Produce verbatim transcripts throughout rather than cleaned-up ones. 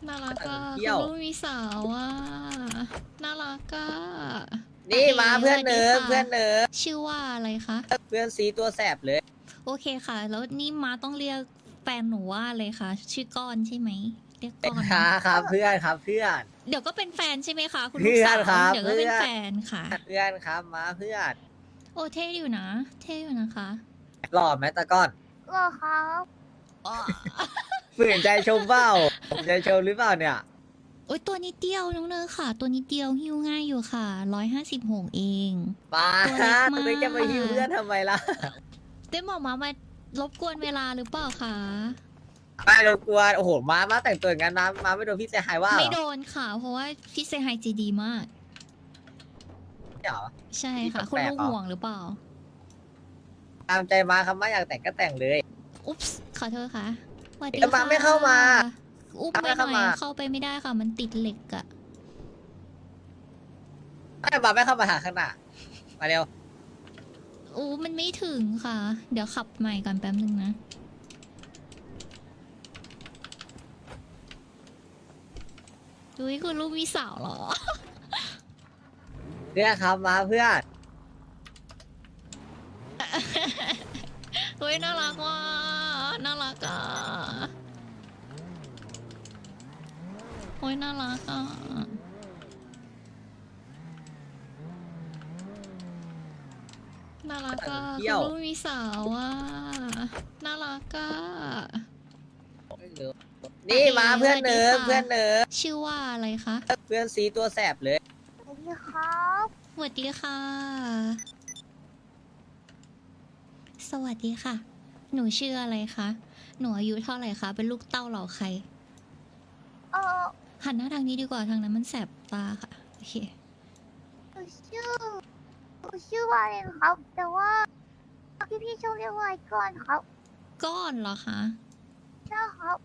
น่ารักก็เที่ยวคุณลูกมีสาวอ่ะน่ารักก็นี่มาเพื่อนสวัสเนิดีร์ฟค่ะเพื่อนเนิร์ฟชื่อว่าอะไรคะเพื่อนซีตัวแสบเลยโอเคค่ะ แล้วนี่มาต้องเรียกแฟนหนูว่าอะไรคะชื่อก้อนใช่ไหมเรียกก้อนครัเนาะบครับเพื่อนครับเพื่อนเดี๋ยวก็เป็นแฟนใช่ไหมคะคุณเพื่ลูกอนสาวครับเดี๋ยวก็เป็นเพื่อนแฟนค่ะเพื่อนครับมาเพื่อนโอ้เท่อยู่นะ เท่อยู่นะคะหล่อไหมตะก้อนก็ครับอ๋อฝืนใจชมเปล่าผมใจชมหรือเปล่าเนี่ยโอ้ยตัวนิดเดียวน้องเนยค่ะ ตัวนิดเดียวหิ้วง่ายอยู่ค่ะร้อยห้าสิบหกเองมาตัวเล็กมากตัวเล็กจะมาฮิวเพื่อนทำไมล่ะเต้หมอมามารบกวนเวลาหรือเปล่าคะไม่รบกวนโอ้โหมามาแต่งตัวอย่างนั้นมามาไม่โดนพี่เสียหายว่าเหรไม่อโดนค่ะ เพราะว่าพี่เซฮายใจดีมากไม่เหรอใช่ค่ะพี่คุณแปลกลูกๆเหรอห่วงหรือเปล่าตามใจมาครับมาอยากแต่งก็แต่งเลยอุ๊ปส์ขอโทษค่ะสวัสดีแล้วมาค่ะไม่เข้ามาอุ๊บมาไม่ไม่หน่เข้าอยมาเข้าไปไม่ได้ค่ะ มันติดเหล็กอะไม่มาไม่เข้ามาหาข้างหน้ามาเร็วอู้มันไม่ถึงค่ะ เดี๋ยวขับใหม่ก่อนแป๊บนึงนะดุยคุณลูกมีสาวเหรอเพื่อนครับมาเพื่อนเฮ้ยน่ารักว่ะน่ารักอ่ะโอ้ยน่ารักอ่ะน่ารักอ่ะเที่คุยวณลูกมีสาวอ่ะน่ารักอ่ะนี่มาเพื่อนเนิร์ฟสวัสดีค่ะเพื่อนเนิร์ฟชื่อว่าอะไรคะเพื่อนซีตัวแสบเลยสวัสดีครับสวัสดีค่ะ สวัสดีค่ะ หนูชื่ออะไรคะหนูอายุเท่าไหร่คะเป็นลูกเต้าเหล่าใครเออหันหน้าทางนี้ดีกว่าทางนั้นมันแสบตาค่ะโอเคหนูชื่อหนูชื่อวาเลนครับ แต่ว่าพี่พี่ๆชอบเรียกว่าไอ้ก้อนครับก้อนเหรอคะใช่ครับ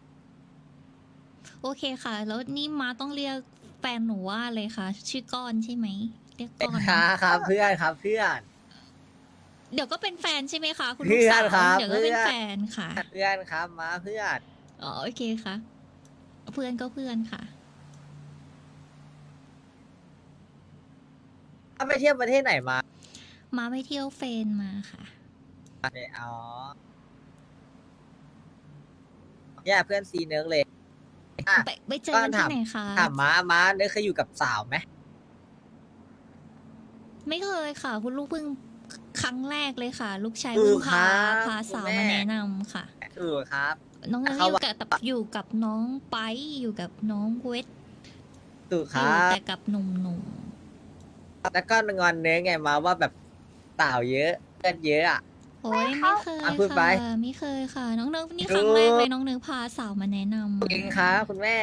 โอเคค่ะ แล้วนี่มาต้องเรียกแฟนหนูว่าอะไรคะชื่อก้อนใช่ไหมเรียกก้อนครันะบครับเพื่อนครับเพื่อนเดี๋ยวก็เป็นแฟนใช่ไหมคะคุณเพื่ลูกอนสาวครับเดี๋ยวก็เป็นเพื่อนแฟนค่ะเพื่อนครับมาเพื่อนอ๋อโอเคค่ะ เพื่อนก็เพื่อนค่ะถ้าไปเที่ยวประเทศไหนมามาไปเที่ยวเฟนมาค่ะเนี่ยอ๋อเนี่ยเพื่อนซีเนิร์กเลยอ่ะไปไปเจอกันที่ไหนคะถามม้าม้าเนิร์กเคยอยู่กับสาวไหมไม่เคยค่ะ คุณลูกเพิ่งครั้งแรกเลยค่ะ ลูกชายถูเพิ่งกคพารับพาสาวคุณมาแแนะนำค่ะถูกครับน้องเนยเขาอยู่ว่ากับอยู่กับน้องไปอยู่กับน้องเวทถูกคอรัยู่บแต่กับหนุ่มแล้วก็งอนเนื้อไงมาว่าแบบสาวเยอะเพื่อนเยอะอ่ะๆโอ้ยไม่เคยอ่ะพูดไปค่ะไม่เคยค่ะ น้องเนยนี่ถูคกรั้งแรกเลยน้องเนยพาสาวมาแนะนำจริงครับคุณแม่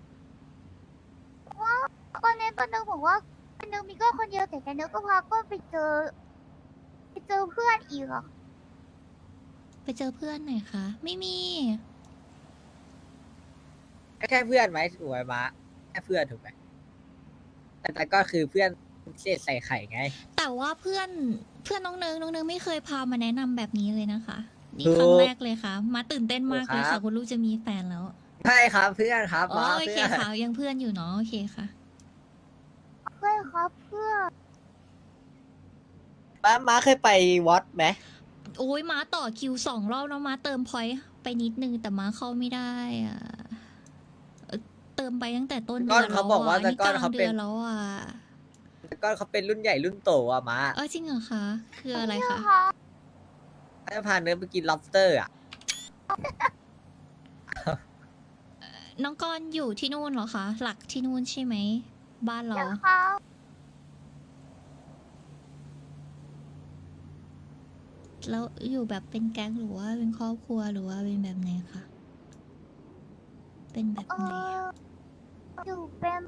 ตอนนี้ตอนนึงบอกว่าตอนนึงมีก็คนเดียวแต่ตอนนึงก็พาก็ไปเจอ ไปเจอเพื่อนอีกอะไปเจอเพื่อนไหนคะไม่มีแค่เพื่อนไหมถูกไหมม้าแค่เพื่อนถูกไหมแต่แต่ก็คือเพื่อนเศษใส่ไข่ไงแต่ว่าเพื่อนเพื่อนน้องเนยน้องเนยไม่เคยพามาแนะนำแบบนี้เลยนะคะ นี่ถูกครั้งแรกเลยค่ะ มาตื่นเต้นมากเลยถูกครัค่ะบคุณลูกจะมีแฟนแล้วใช่ครับเพื่อนครับอ๋อม้าโอเพื่เคอนค่ะยังเพื่อนอยู่เนาะโอเคค่ะเพื่อนครับเพื่อนม้าม้าเคยไปวัดไหมโอ้ยม้าต่อคิวสองรอบแล้วม้าเติมพอยต์ไปนิดนึงแต่ม้าเข้าไม่ได้อะเอ่อเติมไปตั้งแต่ต้นเดืก้ออนนเขาแล้วบอกว่าอ่ะแต่นี่ก้กอนลางเขาเดืเป็อน นแล้วอ่ะแต่ก้อนเขาเป็นรุ่นใหญ่รุ่นโตอ่ะม้าเออจริงเหรอคะคืออะไรคะครับเขาจะพาเนื้อไปกิน lobster อ่ะน้องก้อนอยู่ที่นู่นเหรอคะหลักที่นู่นใช่ไหมบ้านเราเดี๋ยวครับแล้วอยู่แบบเป็นแก๊งหรือว่าเป็นครอบครัวหรือว่าเป็นแบบไหนคะเป็นแบบเอไหนออยู่เป็น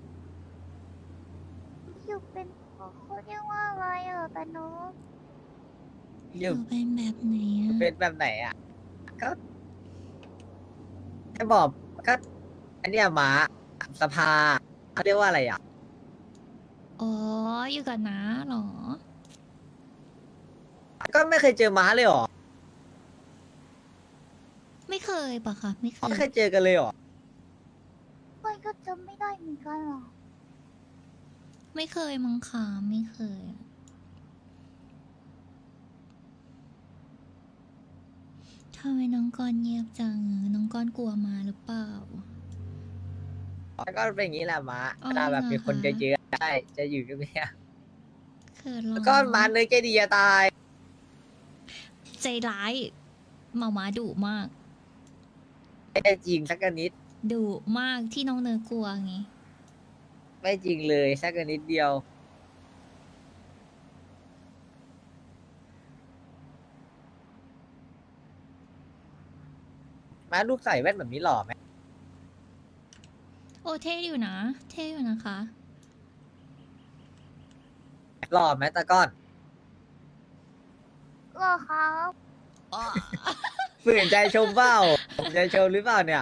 อยู่เป็นเขาเรียกว่าอะไรอะตานุออยู่ ยู่เป็นแบบไหนอะเป็นแบบไหนอ่ะ ก็ให้บอกก็ อันเนี้ยม้าสภาเขาเรียกว่าอะไรอ่ะอ๋ออยู่กับน้าเหรอก็ไม่เคยเจอม้าเลยเหรอไม่เคยปะคะไม่เคไม่ยเคยเจอกันเลยเหรอจำไม่ได้เหมือนกันหรอไม่เคยมั้งค่ะไม่เคยอะทำไมน้องกอนเงียบจังอะน้องกอนกลัวมาหรือเปล่าแล้วก็เป็นอย่างนี้แหละม้าอ๋อเวลาแบบเหรอมีคนคะเยอะๆได้จะอยู่เงียบเขินๆหรแล้อวก็ม้าเนื้อใจดีจะตายใจร้ายหมาหมาดุมากไม่ได้จริงสักนิดดุมากที่น้องเนยกลัวไงไม่จริงเลยสักนิดเดียวม้าลูกใส่แว่นแบบนี้หล่อไหมโอ้เท่อยู่นะ เท่อยู่นะคะหล่อไหมตะก้อนหรอครับฝืนใจชมเปล่าฝืนใจชมหรือเปล่าเนี่ย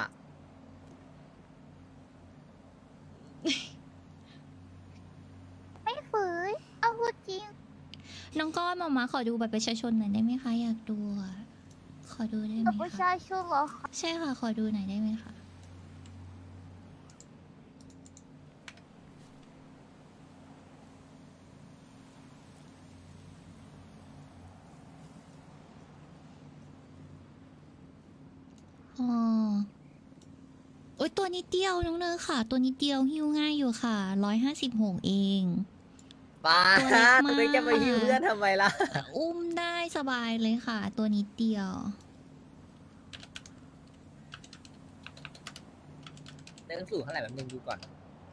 ไม่ฝืนเอาพูดจริงน้องก้อนหมาหมาขอดูบัตรประชาชนหน่อยได้ไหมคะ อยากดูอะขอดูได้ไหมกับประคะชาชนเหรอคะใช่ค่ะ ขอดูหน่อยได้ไหมคะ อ๋อ โอ๊ยตัวนิดเดียวน้องเนยค่ะ ตัวนิดเดียวหิ้วง่ายอยู่ค่ะ ร้อยห้าสิบหกเองป้าตัวเล็กมากตัวเล็กจะมาหิวเพื่อนทำไมล่ะอุ้มได้สบายเลยค่ะ ตัวนิดเดียวเนื้อสูงเท่าไหร่แบบนึงดูก่อน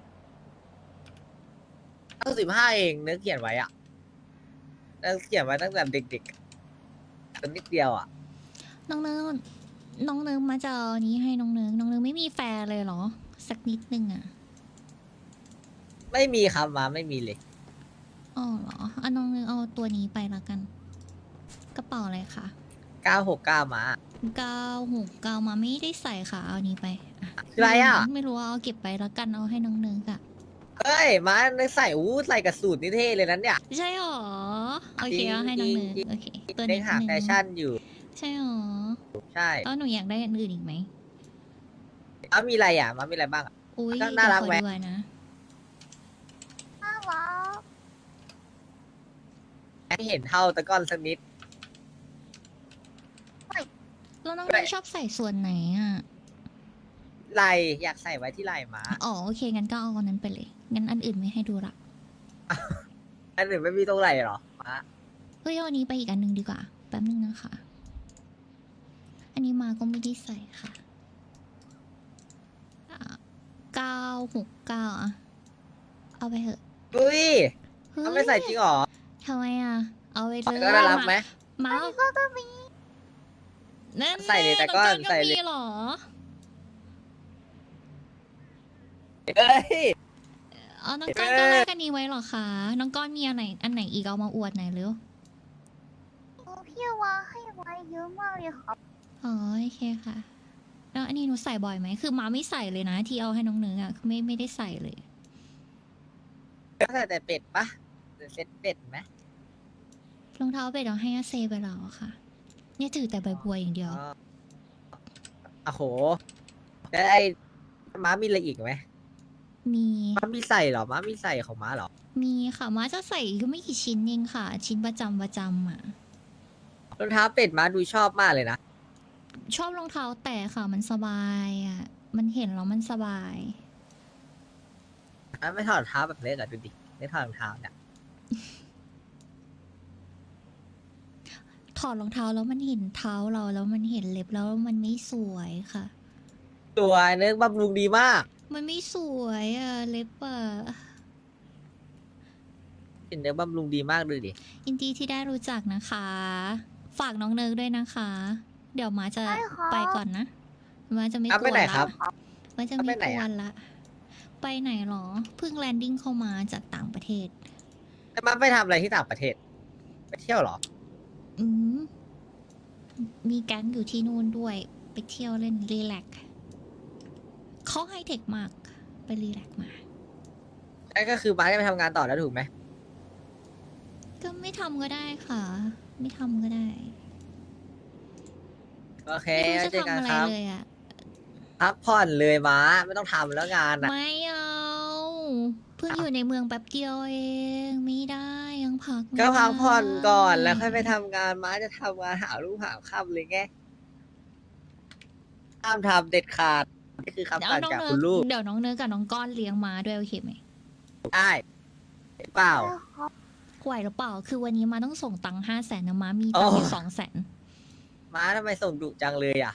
ตั้งสิบห้าเองเนื้อเขียนไว้อะเนื้อเขียนไว้ตั้งแต่เด็กๆตัวนิดเดียวอะน้องเนิร์น้องเนิร์มาจะเอาอันนี้ให้น้องเนิร์น้องเนิร์ไม่มีแฟร์เลยเหรอ สักนิดนึงอ่ะไม่มีครับมาไม่มีเลยอ๋อเหรออ่ะน้องเนิร์เอาตัวนี้ไปละกัน กระเป๋าอะไรคะเก้าหกเก้ามาเก้าหกเก้ามาไม่ได้ใส่ค่ะ เอานี้ไปอ่ะอะไรอ่ะไม่รู้เอาเก็บไปละกันเอาให้น้องเนิร์อะเฮ้ยมาเนื้อใส่อู้ใส่กับสูตรนี่เท่เลยนั้นเนี่ยใช่หรอ โอเคเอาให้น้องเนิร์จริงๆโอเค ตัวเด็นี้กหาแฟชั่นอยู่ใช่หรอใช่แล้วหนูอยากได้อันอื่นอีกไหมมามีอะไรอ่ะมามีอะไรบ้างอะอุ้ยก็เดี๋ยวน่ารักขอไหมดูอะนะน่ารักให้เห็นเท่าตะก้อนสักนิดแล้วน้องไม่เนิร์ชอบใส่ส่วนไหนอ่ะไหลอยากใส่ไว้ที่ไหลมาอ๋อโอเค งั้นก็เอาอันนั้นไปเลย งั้นอันอื่นไม่ให้ดูละอันอื่นไม่มีตรงไหลหรอมาเฮ้ยเอาอันนี้ไปอีกอันหนึ่งดีกว่า แป๊บนึงนะคะ อันนี้มาก็ไม่ได้ใส่ค่ะเก้าหกเก้าอะเอาไปเถอะอุ้ยเฮ้ยเขาไม่ใส่จริงหรอทำไมอ่ะ เอาไปเลยก็น่ารักไหมมาอันนี้ก็ก็มีนั่นใส่เลยแต่ก็น้องใส่ก็เลยมีเหรอเอ้ยเอาน้องก้อนก็แลกอันนี้ไว้เหรอคะ น้องก้อนมีอันไหน อันไหนอีกเอามาอวดหน่อยเร็วโอ้พี่วางให้ไว้เยอะมากเลยครับอ๋อโอเคค่ะ แล้วอันนี้หนูใส่บ่อยไหม คือมาไม่ใส่เลยนะ ที่เอาให้น้องเนื้ออ่ะคือไม่ไม่ได้ใส่เลยก็ใส่แต่เป็ดปะเซ็ตเป็ดไหมรองเท้าเป็ดเอาให้อาเซไปแล้วอะค่ะ เนี่ยถือแต่ใบบัวอย่างเดียวอ๋อโอ้โหแล้วไอ้ม้ามีอะไรอีกไหมมีม้ามีใส่เหรอม้ามีใส่ของม้าเหรอมีค่ะมาจะใส่ก็ไม่กี่ชิ้นเองค่ะ ชิ้นประจำประจำอ่ะรองเท้าเป็ดม้าดูชอบมากเลยนะชอบรองเท้าแต่ค่ะมันสบายอ่ะ มันเห็นแล้วมันสบายม้าไม่ถอดรองเท้าแบบเล็กอะดูดิไม่ถอดรองเท้าเนี่ยถอดรองเท้าแล้วมันเห็นเท้าเราแล้วมันเห็นเล็บแล้วมันไม่สวยค่ะตัวเนื้อบำรุงดีมากมันไม่สวยอ่ะเล็บอ่ะเป็นเนื้อบำรุงดีมากดูดิยินดีที่ได้รู้จักนะคะ ฝากน้องเนิร์กด้วยนะคะ เดี๋ยวมาจะได้ครับไปก่อนนะ มาจะไม่เอากไปวนไหนละครับมาจะเอาไม่ไปไหนกวอะนละ ไปไหนหรอ เพิ่งแลนดิ้งเข้ามาจากต่างประเทศแล้วม้าไปทำอะไรที่ต่างประเทศ ไปเที่ยวเหรออืมมีแก๊งอยู่ที่นู่นด้วย ไปเที่ยวเล่นรีแลกซ์เขาไฮเทคมาก ไปรีแลกซ์มานั่นก็คือม้าจะไปทำงานต่อแล้วถูกไหมก็ไม่ทำก็ได้ค่ะ ไม่ทำก็ได้โอเคไม่รู้แล้วจะเจอทำกันอะไรครับเลยอ่ะคพักผ่อนเลยม้าไม่ต้องทำแล้วงานอ่ะไม่เอาเพิ่งอยู่ในเมืองแป๊บเดียวเองไม่ได้ยังพักไม่ก็พักผ่อนก่อนได้แล้วค่อยไปทำงานม้าจะทำงานหาลูกหาค่ำเลยไงห้ามทำเด็ดขาดนี่คือคำเดี๋ยวสั่งน้องจากเนิคุร์ณลูกเดี๋ยวน้องเนิร์กับน้องก้อนเลี้ยงม้าด้วยโอเคไหมได้เปล่าได้ครับไหวหรือเปล่าคือวันนี้ม้าต้องส่งตังค์ห้าแสนนะม้ามีตังค์อยู่อ๋อสองแสนม้าทำไมส่งดุจังเลยอ่ะ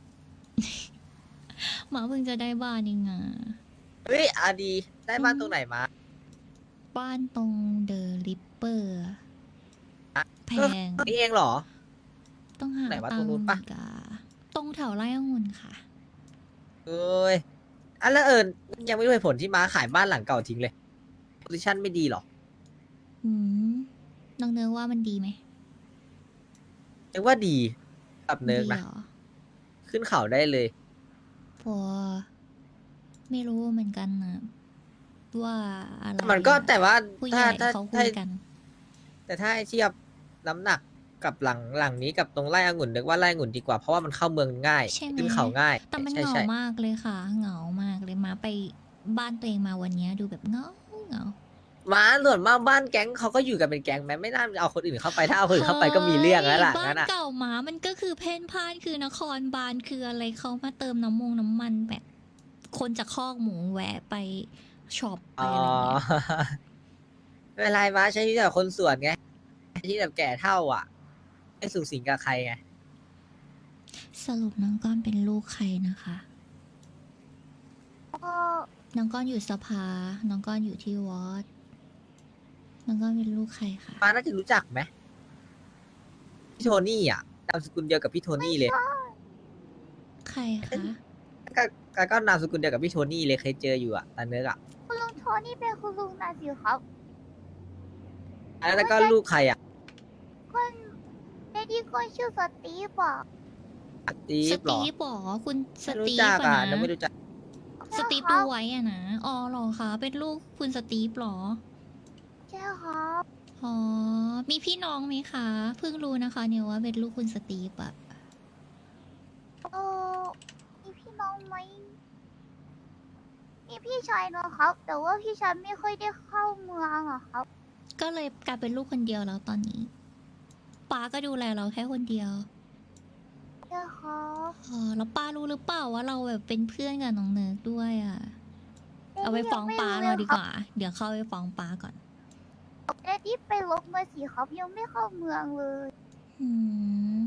ม้าเพิ่งจะได้บ้านเองอ่ะเฮ้ยอาดีได้บ้านตรงไหนมาบ้านตรงเดอะลิปเปอร์แพงนี่เองเหรอต้องหาไหนวะตัตรง งนู้นค์ปะอีกอะตรงแถวไร่องุ่นค่ะเอ้ยอันแล้วเอิญยังไม่รู้เหตุผลที่ม้าขายบ้านหลังเก่าทิ้งเลยโพซิชันไม่ดีหรออืมน้องเนิร์ว่ามันดีไหมนึกว่าดีกับเนิร์กดีนะเหรอขึ้นเขาได้เลยพอไม่รู้เหมือนกันนะว่าอะไรมันก็อะแต่ว่าผู้ใหถ้าญ่ถ้าเขาคุถ้ายกันแต่ถ้าให้เทียบน้ำหนักกับหลังหลังนี้กับตรงไร่องุ่นนึกว่าไร่องุ่นดีกว่าเพราะว่ามันเข้าเมืองง่ายใช่ไหมขึ้นเขาง่ายแต่มันใช่เหงาใช่มากเลยค่ะ เหงามากเลยมาไปบ้านตัวเองมาวันเนี้ยดูแบบเหงาเหงาม้าส่วนมากบ้านแก๊งเขาก็อยู่กันเป็นแก๊งแม้ไม่น่าเอาคนอื่นเข้าไปถ้าเอาคนอื่นเข้าไปก็มีเรื่องแล้วล่ะบ้างั้นนอ่ะเก่าหมามันก็คือเพ่นพ่านคือนครบาลคืออะไรเขามาเติมน้ำมงน้ำมันแบบ คนจากคอกหมูแวะไปช็อปไปอ๋ออะไรเงี้ยไม่เป็นไรม้าใช้ชีวิตแบบคนส่วนไงใช้ชีวิตแบบแก่เท่าอ่ะไม่สูงสิงกับใครไงสรุปน้องก้อนเป็นลูกใครนะคะก็น้องก้อนอยู่สภา น้องก้อนอยู่ที่วอดน้องก้อนเป็นลูกใครคะม้าน่าจะรู้จักไหมพี่โทนี่อ่ะนามสกุลเดียวกับพี่โทนี่เลยใครคะก็ก็ก็นามสกุลเดียวกับพี่โทนี่เลยเคยเจออยู่อ่ะตาเนื้ออ่ะคุณลุงโทนี่เป็นคุณลุงนะสิครับแล้วก็ลูกใครอ่ะคนในที่คนชื่อสตีฟอ่ะตีสฟเหรตีอฟเหรอคุณสไม่รู้ตีฟจักอะอ่ะนะยังไม่รู้จักสตีฟดูไว้อะนะอ๋อเหรอคะเป็นลูกคุณสตีฟเหรอใช่ครับอ๋อ มีพี่น้องไหมคะ เพิ่งรู้นะคะ เนี่ยว่าเป็นลูกคุณสตีฟอะเออมีพี่น้องไหมมีพี่ชายนะครับ แต่ว่าพี่ชายไม่ค่อยได้เข้าเมืองอะครับก็เลยกลายเป็นลูกคนเดียวแล้วตอนนี้ป้าก็ดูแลเราแค่คนเดียวใช่ครับอ๋อ แล้วป้ารู้หรือเปล่าว่าเราแบบเป็นเพื่อนกับน้องเนิร์กด้วยอะเอาไปฟ้องป้าเราดีกว่า เดี๋ยวเข้าไปฟ้องป้าก่อนแต่ที่ไปลบมาสิครับยังไม่เข้าเมืองเลยอืม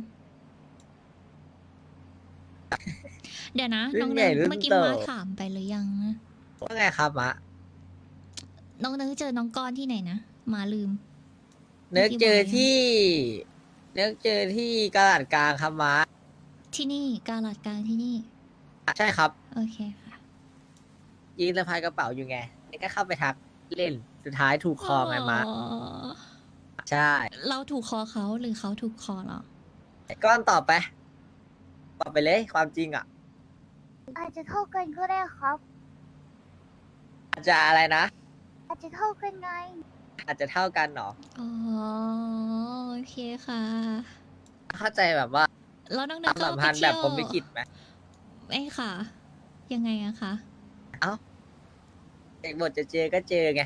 เดี๋ยวนะรุ่น้อน งใหเนิญ่ร์กรุ่นเมื่อกี้โตมาถามไปหรือยังนะว่าไงครับมะน้องเนิร์กเจอน้องก้อนที่ไหนนะมาลืมเนื้อเจอที่ เนื้อเจอที่กระดาษกลางครับมะที่นี่กาลาดกลางที่นี่ใช่ครับโอเคค่ะยืนสะพายกระเป๋าอยู่ไงแล้วก็เข้าไปทักเล่นสุดท้ายถูกคอไงมะอ๋อใช่เราถูกคอเขาหรือเขาถูกคอเราก้อนตอบไปตอบไปเลยความจริงอ่ะอาจจะเท่ากันก็ได้ครับอาจจะอะไรนะอาจจะเท่ากันไงอาจจะเท่ากันเนาะอ๋อ โอเคค่ะเข้าใจแบบว่าแล้วน้องคเนิร์วามกก็สัมไปพันธ์แบเที่บยวผมไม่คิดไหมเอ้ยค่ะ ยังไงอะคะเด็กบทจะเจอก็เจอไง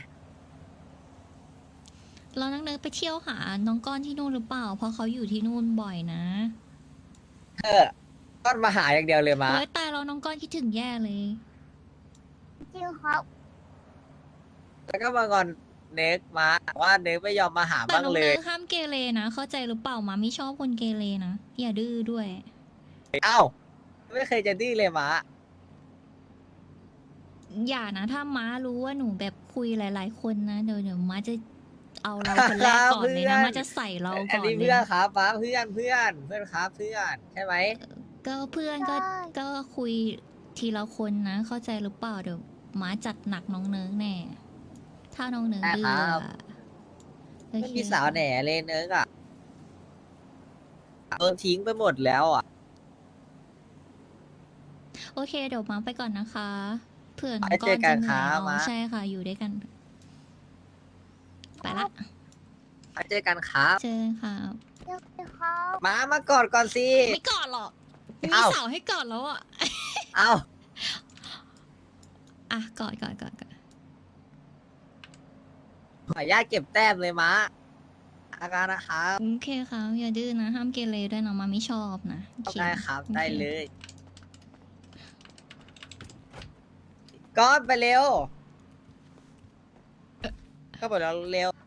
แล้วน้องเนิร์กไปเที่ยวหาน้องก้อนที่นู่นหรือเปล่า เพราะเขาอยู่ที่นู่นบ่อยนะเออก้อนมาหาอย่างเดียวเลยมาโอ้ยตายแล้วน้องก้อนคิดถึงแย่เลยจริงครับแล้วก็มางอนเน็กมาว่าเน็กไม่ยอมมาหาแต่บ้างน้องเลเนิยร์กห้ามเกเรนะ เข้าใจหรือเปล่ามาไม่ชอบคนเกเรนะ อย่าดื้อด้วยเอ้าไม่เคยจะดื้อเลยมาอย่านะ ถ้าม้ารู้ว่าหนูแบบคุยหลาย ๆ คนนะ เดี๋ยวเดี๋ยวม้าจะเอาเราคนแรกก่อนเลยนะ ม้าจะใส่เราอันก่อนนี้เลยเพื่อนนะครับป้าเพื่อนเพื่อนเพื่อนครับเพื่อนใช่ไหมก็เพื่อนก็ใช่ก็คุยทีละคนนะ เข้าใจหรือเปล่าเดี๋ยวม้าจัดหนักน้องเนิร์กแน่ ถ้าน้องเนิร์กดื้ออะโอไม่เคมีสาวแหน่เลยเน็กอะโดนทิ้งไปหมดแล้วอ่ะโอเค เดี๋ยวม้าไปก่อนนะคะเผื่อน้องไปก้เจออน กัจะนเหนื่อยครับเอาม้าใช่ค่ะ อยู่ด้วยกัน ไปละไปเจอกันครับเจอกันค่ะเดี๋ยวสิครับมามากอดก่อนสิไม่กอดหรอกมีเอ้าสาวให้กอดแล้วอ่ะเอ้าอ่ะกอดกอดกอดกอดขออนุญาตเก็บแต้มเลยม้าอาการนะครับโอเคครับอย่าดื้อนะ ห้ามเกเรด้วยนะมาไม่ชอบนะโอเคได้ครับโอเคได้เลยก็ไปเร็ว ก็บอกแล้วเร็ว